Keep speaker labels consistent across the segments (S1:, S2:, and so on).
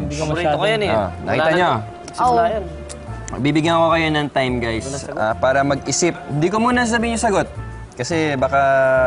S1: Paborito ko yan eh.
S2: Nakita nyo?
S3: Oh.
S2: Bibigyan ko kayo ng time, guys, para mag-isip. Hindi ko muna sabihin yung sagot. Kasi baka...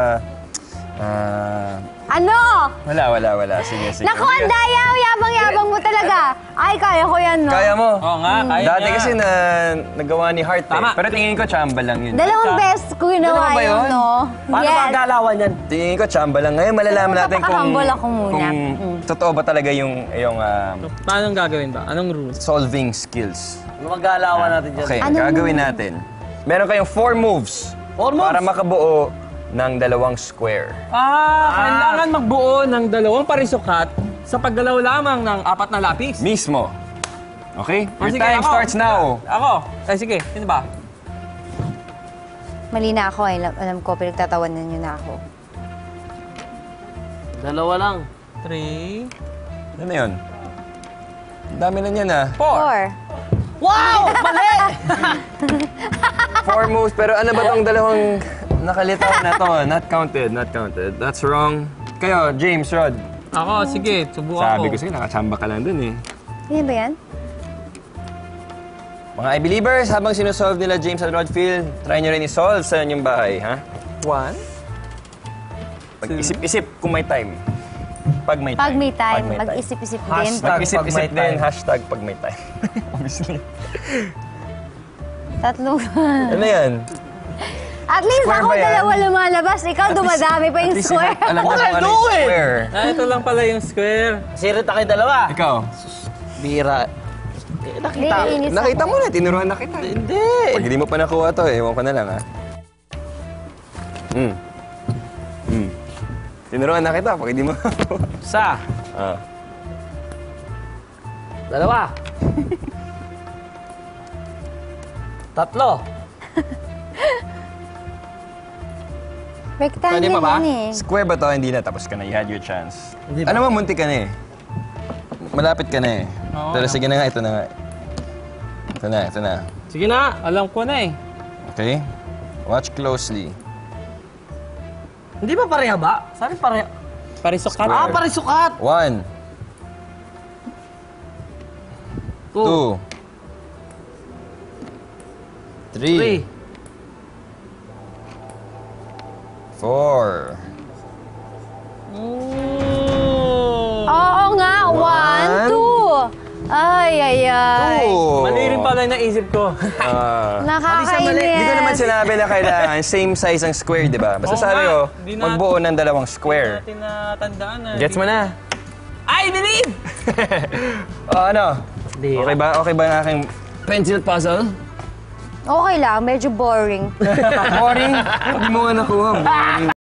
S3: Ano?
S2: Wala. Sige.
S3: Naku, ang daya! Yabang-yabang mo talaga. Ay, kaya ko yan, no?
S2: Kaya mo?
S1: Oo nga, kaya
S2: Dati
S1: niya.
S2: kasi nagawa ni Heart eh.
S1: Tama.
S2: Pero tingin ko, chamba lang yun.
S3: Dalawang best ko ginawa
S2: Ganun ba
S3: yun,
S2: yun?
S3: no?
S1: Paano ba ang galawan yan?
S2: Tingin ko, chamba lang. Ngayon, malalaman natin kung...
S3: Napaka-humble ako muna.
S2: Kung totoo ba talaga yung
S4: Paano gagawin ba? Anong rules?
S2: solving skills.
S1: Ano ang galawan natin dyan?
S2: Okay,
S3: Anong
S2: gagawin natin. Meron kayong 4 moves.
S1: 4 moves?
S2: Para makabuo ng 2 square.
S4: Kailangan magbuo ng 2 parisukat sa paggalaw lamang ng 4 na lapis.
S2: Mismo. Okay? Your
S4: Sige,
S2: time
S4: ako.
S2: starts now.
S4: Ako? Ay, sige. Sino ba?
S3: Mali na ako. Alam ko, pinagtatawanan niyo na ako.
S1: 2 lang.
S4: 3,
S2: Ano yun? Ang dami na niyan ah.
S3: 4.
S1: Wow! Mali!
S2: 4 moves, pero ano ba tong 2 nakalitaw na to? Not counted. That's wrong. Kayo, James, Rod.
S4: Ako, sige. Subukan
S2: Sabi ko sa'yo, nakachamba ka lang dun eh.
S3: Yan ba yan?
S2: Mga I-Believers, habang sinusolve nila James at Rodfield, try nyo rin i-solve sa inyong bahay, ha?
S4: 1.
S2: Pag-isip-isip kung may time. Pag may time.
S3: Pag may time, mag-isip-isip din.
S2: Mag-isip-isip din, hashtag pag may time. Obviously.
S3: 3.
S2: Ano yan?
S3: At least
S2: Square
S3: ako
S2: ba yan?
S3: 2 lumalabas. Ikaw dumadami pa yung square.
S2: Alam mo
S1: What
S2: kung
S1: I
S2: ano
S1: do
S2: yung
S1: it?
S2: square.
S4: Ito lang pala yung square.
S1: Sirit na kayo 2.
S2: Ikaw,
S1: Bira. Nakita.
S3: Naiinis
S2: nakita
S3: ako.
S2: mo na, tinuruan na kita.
S1: Hindi.
S2: Pag hindi mo pa nakuha to, ewan ko na lang, ha? Tinuruan na kita pag hindi mo nakuha.
S1: Sa. 2. 3.
S3: Rectangle
S4: Pwede pa ba?
S3: yan eh.
S2: Square ba to? Hindi na. Tapos ka na. You had your chance.
S1: Hindi ba?
S2: Ano mo, munti ka na eh. Malapit ka na eh.
S4: Oo,
S2: Pero sige na nga, ito na nga. Ito na.
S4: Sige na. Alam ko na eh.
S2: Okay? Watch closely.
S1: Hindi ba pareha ba? Sabi pareha.
S4: Parisukat.
S2: Square.
S1: Parisukat.
S2: 1, 2, 3, 4.
S3: Oo nga, 1, 2. Ay.
S4: Mali rin pala yung naisip ko.
S3: Nakakainis.
S2: Hindi ko naman sinabi na kailangan same size ang square, di ba? Basta
S4: Oo
S2: sabi
S4: nga.
S2: ko,
S4: Di na-
S2: magbuo ng 2 square.
S4: Natin natandaan na.
S2: Gets mo na?
S4: I believe!
S2: Ano?
S1: Hindi.
S2: Okay ba ang aking pencil puzzle?
S3: Okay lang, medyo boring.
S2: Boring? Hindi mo nga nakuha. Boring.